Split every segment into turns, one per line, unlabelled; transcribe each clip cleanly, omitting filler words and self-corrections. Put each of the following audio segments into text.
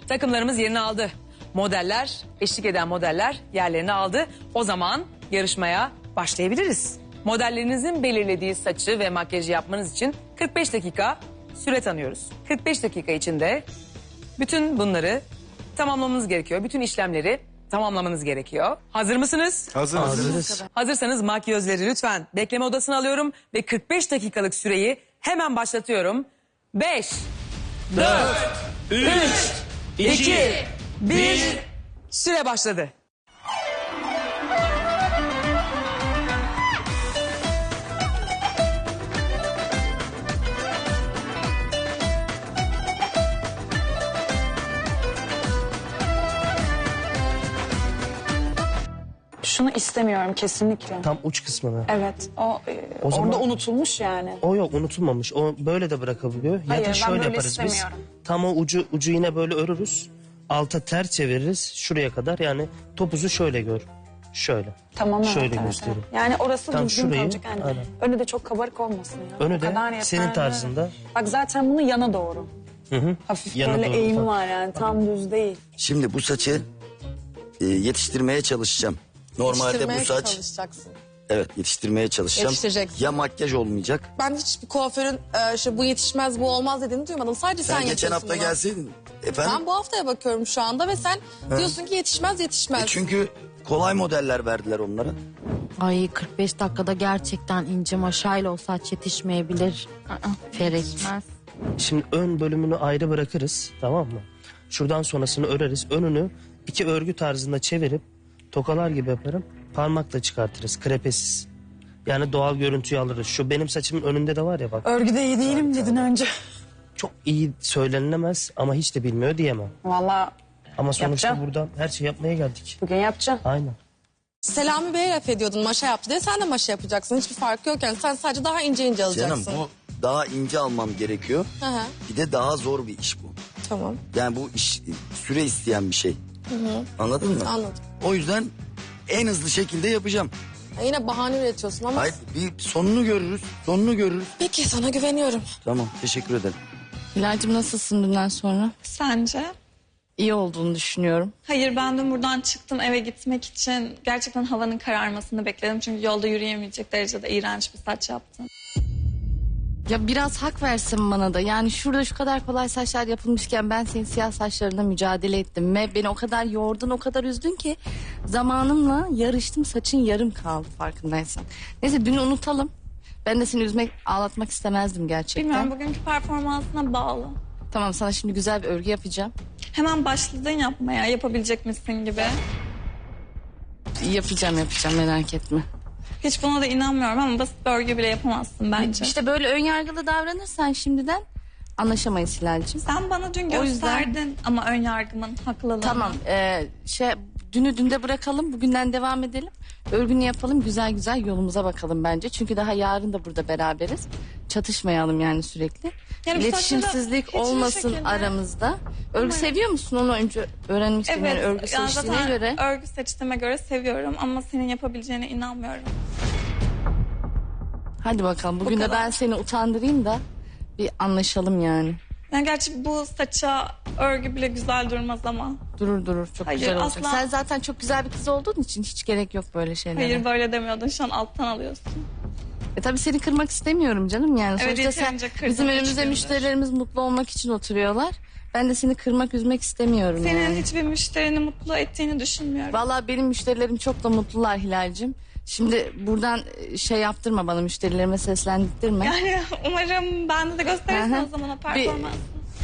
Takımlarımız yerini aldı. Modeller, eşlik eden modeller yerlerini aldı. O zaman yarışmaya başlayabiliriz. Modellerinizin belirlediği saçı ve makyajı yapmanız için 45 dakika süre tanıyoruz. 45 dakika içinde bütün bunları tamamlamanız gerekiyor. Bütün işlemleri tamamlamanız gerekiyor. Hazır mısınız?
Hazırız.
Hazırsanız makyözleri lütfen bekleme odasına alıyorum ve 45 dakikalık süreyi hemen başlatıyorum. 5, 4, 3, 2, 1, süre başladı.
Şunu istemiyorum kesinlikle.
Tam uç kısmını.
Evet, o
zaman-
orada unutulmuş yani.
O yok, unutulmamış. O böyle de bırakabiliyor.
Hayır,
Ya da
ben
şöyle
böyle
yaparız biz.
istemiyorum.
Tam o ucu yine böyle örürüz. Alta ters çeviririz şuraya kadar. Yani topuzu şöyle gör. Şöyle.
Tamam, evet,
Şöyle
evet,
göstereyim.
evet. Yani orası
Tam
düzgün
şurayı,
kalacak yani.
aynen.
Önü de çok kabarık olmasın ya.
Önü
O
de
kadar yeterli.
senin tarzında.
Bak zaten bunu yana doğru.
Hı.
Hafif
Yana
böyle
doğru
eğimi
ufak.
var yani, tam düz değil.
Şimdi bu saçı yetiştirmeye çalışacağım. Normalde
Yetiştirmeye
bu saç
çalışacaksın.
evet yetiştirmeye çalışacağım.
Yetiştireceksin.
Ya makyaj olmayacak.
Ben hiçbir kuaförün işte bu yetişmez, bu olmaz dediğini duymadım. Sadece sen
Sen geçen
yapıyorsun
hafta
bunu.
gelseydin. Efendim?
Ben bu haftaya bakıyorum şu anda ve sen diyorsun ki yetişmez.
Çünkü kolay modeller verdiler onlara.
Ay 45 dakikada gerçekten ince maşayla o saç yetişmeyebilir. Ferit.
Şimdi ön bölümünü ayrı bırakırız. Tamam mı? Şuradan sonrasını öreriz. Önünü iki örgü tarzında çevirip tokalar gibi yaparım. Parmakla çıkartırız. Krepesiz. Yani doğal görüntüyü alırız. Şu benim saçımın önünde de var ya bak.
Örgüde iyi değilim dedin önce.
Çok iyi söylenilemez ama hiç de bilmiyor diyemem.
Vallahi
Ama sonuçta
Yapacağım.
buradan her şey yapmaya geldik.
bugün yapacağım.
Aynen.
Selami Bey'e laf ediyordun maşa yaptı diye, sen de maşa yapacaksın. Hiçbir farkı yok yani, sen sadece daha ince alacaksın.
Canım bu daha ince almam gerekiyor.
Hı hı,
Bir de daha zor bir iş bu.
tamam,
Yani bu iş süre isteyen bir şey. Anladın mı?
anladım.
O yüzden en hızlı şekilde yapacağım.
Ya yine bahane üretiyorsun ama.
Hayır bir sonunu görürüz. Sonunu görürüz.
Peki, sana güveniyorum.
Tamam teşekkür ederim.
Hilal'cim nasılsın dünden sonra?
Sence?
İyi olduğunu düşünüyorum.
Hayır, ben dün buradan çıktım eve gitmek için. Gerçekten havanın kararmasını bekledim. Çünkü yolda yürüyemeyecek derecede iğrenç bir saç yaptın.
Ya biraz hak versin bana da. Yani şurada şu kadar kolay saçlar yapılmışken ben senin siyah saçlarına mücadele ettim. Ve beni o kadar yordun, o kadar üzdün ki zamanımla yarıştım, saçın yarım kaldı farkındaysan. Neyse dünü unutalım. Ben de seni üzmek, ağlatmak istemezdim gerçekten.
Bilmiyorum, bugünkü performansına bağlı.
Tamam, sana şimdi güzel bir örgü yapacağım.
Hemen başladın yapmaya, yapabilecek misin gibi.
Yapacağım merak etme.
Hiç buna da inanmıyorum ama basit bir örgü bile yapamazsın bence.
İşte böyle önyargılı davranırsan şimdiden anlaşamayız Hilal'cim.
Sen bana dün
O yüzden-
gösterdin ama ön yargımın haklılığını.
Tamam dünü dünde bırakalım, bugünden devam edelim. Örgünü yapalım, güzel güzel yolumuza bakalım bence. Çünkü daha yarın da burada beraberiz. Çatışmayalım yani sürekli.
Yani bu
İletişimsizlik
saçma da hiçbir
olmasın
şekilde-
aramızda. Örgü seviyor musun? Onu önce öğrenmek istiyorum.
Evet,
Yani örgü
yani
seçtiğine
zaten
göre.
örgü seçtiğime göre seviyorum ama senin yapabileceğine inanmıyorum.
Hadi bakalım, bugün de
kadar.
ben seni utandırayım da bir anlaşalım yani.
Yani gerçi bu saça örgü bile güzel durmaz ama.
Durur çok
Hayır,
güzel olacak.
asla-
Sen zaten çok güzel bir kız olduğun için hiç gerek yok böyle şeylere.
Hayır, böyle demiyordun, şu an alttan alıyorsun.
Tabii seni kırmak istemiyorum canım yani.
Evet,
Sonuçta sen,
yeterince kırdın
bizim
üç
önümüzde
gündür.
müşterilerimiz mutlu olmak için oturuyorlar. Ben de seni kırmak, üzmek istemiyorum
Senin
yani.
hiçbir müşterini mutlu ettiğini düşünmüyorum.
Vallahi benim müşterilerim çok da mutlular Hilal'cim. Şimdi buradan şey yaptırma bana, müşterilerime seslendirtme.
Yani umarım bende de gösterirsin
Hı hı.
o zaman o performansı.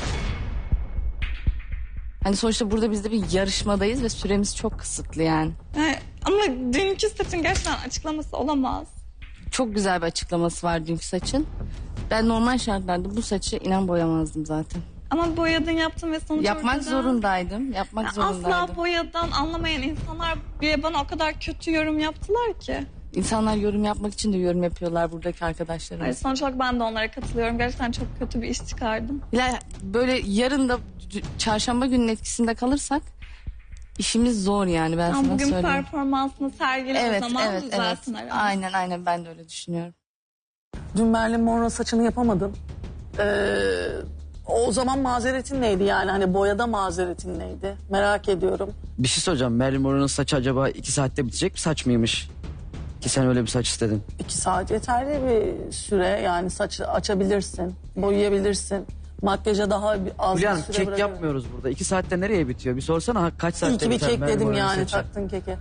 Hani sonuçta burada biz de bir yarışmadayız ve süremiz çok kısıtlı yani.
Yani, ama dünkü saçın gerçekten açıklaması olamaz.
Çok güzel bir açıklaması var dünkü saçın. Ben normal şartlarda bu saçı inan boyamazdım zaten.
Ama boyadın, yaptın ve sonuç
Yapmak
ortada.
zorundaydım. Yapmak
Yani
zorundaydım.
asla boyadan anlamayan insanlar bile bana o kadar kötü yorum yaptılar ki.
İnsanlar yorum yapmak için de yorum yapıyorlar buradaki
Hayır,
arkadaşlarımız.
sonuç olarak ben de onlara katılıyorum. Gerçekten çok kötü bir iş çıkardım.
Hilal, böyle yarın da çarşamba günün etkisinde kalırsak işimiz zor yani, ben
Ama
sana
bugün
söyleyeyim.
performansını sergile
Evet,
o zaman
evet.
düzelsin aramız.
Aynen ben de öyle düşünüyorum.
Dün Marilyn Monroe saçını yapamadın.
O zaman mazeretin neydi yani? Hani boyada mazeretin neydi? Merak ediyorum.
Bir şey soracağım. Marilyn Monroe'nun saçı acaba 2 saatte bitecek bir saç mıymış? Ki sen öyle bir saç istedin.
2 saat yeterli bir süre. Yani saçı açabilirsin, boyayabilirsin. Makyaja daha az
Hülya
bir
Hanım
süre
kek
bırakabilirsin.
yapmıyoruz burada. 2 saatte nereye bitiyor? Bir sorsana kaç saatte
İyi ki bir
biter
kek
Marilyn
dedim
Monroe'nun
yani,
saçı?
taktın keke.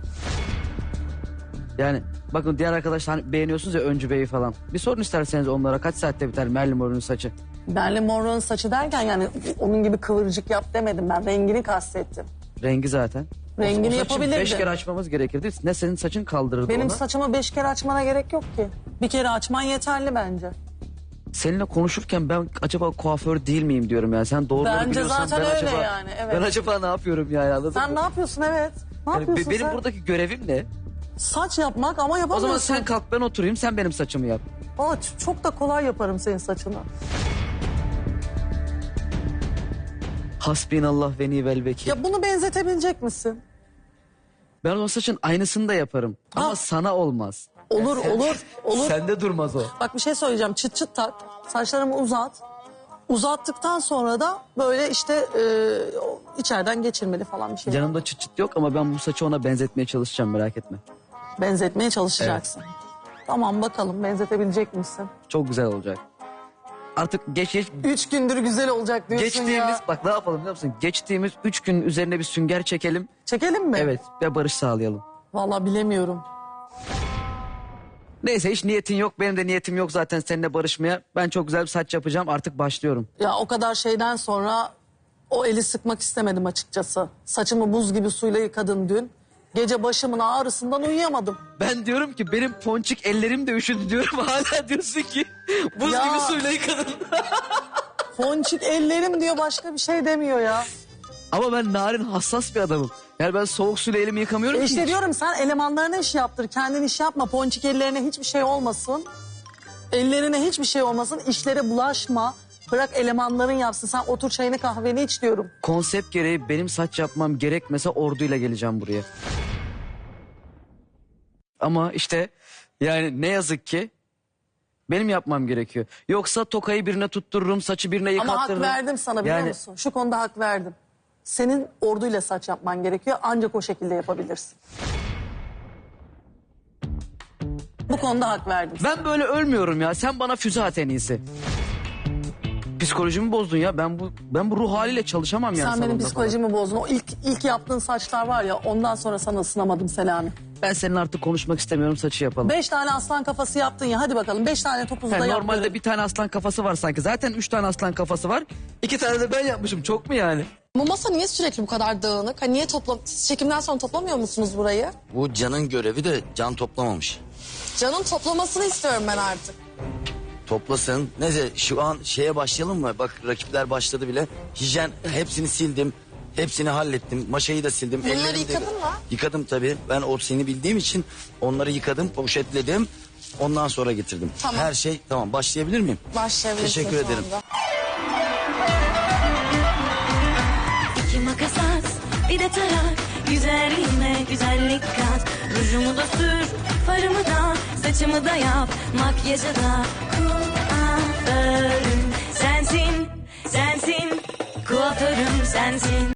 Yani bakın diğer arkadaşlar hani beğeniyorsunuz ya Öncü Bey'i falan. Bir sorun isterseniz onlara kaç saatte biter Marilyn Monroe'nun saçı?
Marilyn Monroe'nun saçı derken yani onun gibi kıvırcık yap demedim ben. Rengini kastettim.
Rengi zaten.
Rengini
O saçı
yapabilirdin.
5 kere açmamız gerekirdi. Ne senin saçın kaldırırdı
Benim
ona.
saçımı 5 kere açmana gerek yok ki. Bir kere açman yeterli bence.
Seninle konuşurken ben acaba kuaför değil miyim diyorum yani. Sen doğruları
Bence
biliyorsan
zaten
ben
öyle
acaba,
yani, evet.
Ben acaba ne yapıyorum yani anladın
Sen
mı?
ne yapıyorsun evet? Ne
Yani
yapıyorsun
benim
sen?
buradaki görevim ne?
Saç yapmak ama
O
yapamıyorsun.
zaman sen kalk ben oturayım sen benim saçımı yap.
Aa, çok da kolay yaparım senin saçını.
Hasbinallah ve nivel vekil.
Ya bunu benzetebilecek misin?
Ben o saçın aynısını da yaparım. Ama
Ah.
sana olmaz.
Olur olur olur.
Sende durmaz o.
Bak bir şey söyleyeceğim. Çıt çıt tak. Saçlarımı uzat. Uzattıktan sonra da böyle işte içeriden geçirmeli falan bir şey.
Yanımda çıt çıt yok ama ben bu saçı ona benzetmeye çalışacağım merak etme.
Benzetmeye çalışacaksın. Tamam bakalım benzetebilecek misin?
Çok güzel olacak. Artık
3 gündür güzel olacak diyorsun
geçtiğimiz
ya.
bak ne yapalım biliyor musun? Geçtiğimiz 3 gün üzerine bir sünger çekelim.
Çekelim mi?
Evet ve barış sağlayalım.
Vallahi bilemiyorum.
Neyse hiç niyetin yok. Benim de niyetim yok zaten seninle barışmaya. Ben çok güzel bir saç yapacağım. Artık başlıyorum.
Ya o kadar şeyden sonra o eli sıkmak istemedim açıkçası. Saçımı buz gibi suyla yıkadın dün. Gece başımın ağrısından uyuyamadım.
Ben diyorum ki benim ponçik ellerim de üşüdü diyorum. Hala diyorsun ki buz
Ya.
gibi suyla yıkadın.
Ponçik ellerim diyor başka bir şey demiyor ya.
Ama ben narin hassas bir adamım. Yani ben soğuk suyla elimi yıkamıyorum ki.
İşte
hiç.
diyorum sen elemanlarına iş yaptır. Kendin iş yapma. Ponçik ellerine hiçbir şey olmasın. Ellerine hiçbir şey olmasın. İşlere bulaşma. Bırak elemanların yapsın. Sen otur çayını kahveni iç diyorum.
Konsept gereği benim saç yapmam gerekmese orduyla geleceğim buraya. Ama işte yani ne yazık ki benim yapmam gerekiyor. Yoksa tokayı birine tuttururum, saçı birine
Ama hak
yıkattırırım.
verdim sana biliyor
Yani-
musun? Şu konuda hak verdim. Senin orduyla saç yapman gerekiyor. Ancak o şekilde yapabilirsin. Bu konuda hak verdim.
Ben böyle ölmüyorum ya. Sen bana füze at en iyisi. Psikolojimi bozdun ya. Ben bu ruh haliyle çalışamam yani.
Sen benim
salonda
psikolojimi bozdun. O ilk yaptığın saçlar var ya ondan sonra sana ısınamadım Selami.
falan. Ben seninle artık konuşmak istemiyorum. Saçı yapalım.
5 tane aslan kafası yaptın ya hadi bakalım 5 tane topuzu da
Yani
yap.
normalde
görelim.
bir tane aslan kafası var sanki. Zaten 3 tane aslan kafası var. 2 tane de ben yapmışım. Çok mu yani?
Bu masa niye sürekli bu kadar dağınık? Hani niye siz çekimden sonra toplamıyor musunuz burayı?
Bu Can'ın görevi de Can toplamamış.
Can'ın toplamasını istiyorum ben artık.
Toplasın. Neyse şu an şeye başlayalım mı? Bak rakipler başladı bile. Hijyen hepsini sildim. Hepsini hallettim. Maşayı da sildim.
Bunları
Ellerimi de-
yıkadın mı?
Yıkadım tabii. Ben o seni bildiğim için onları yıkadım, poşetledim. Ondan sonra getirdim.
Tamam.
Her şey tamam. Başlayabilir miyim?
Başlayabilirsin
Teşekkür
şu
ederim.
anda.
İki makas at, bir de tarak. Güzelliğime güzellik kat. Rujumu da sür, farımı da, saçımı da yap. Makyajı da kuaförüm sensin, sensin. Kuaförüm sensin.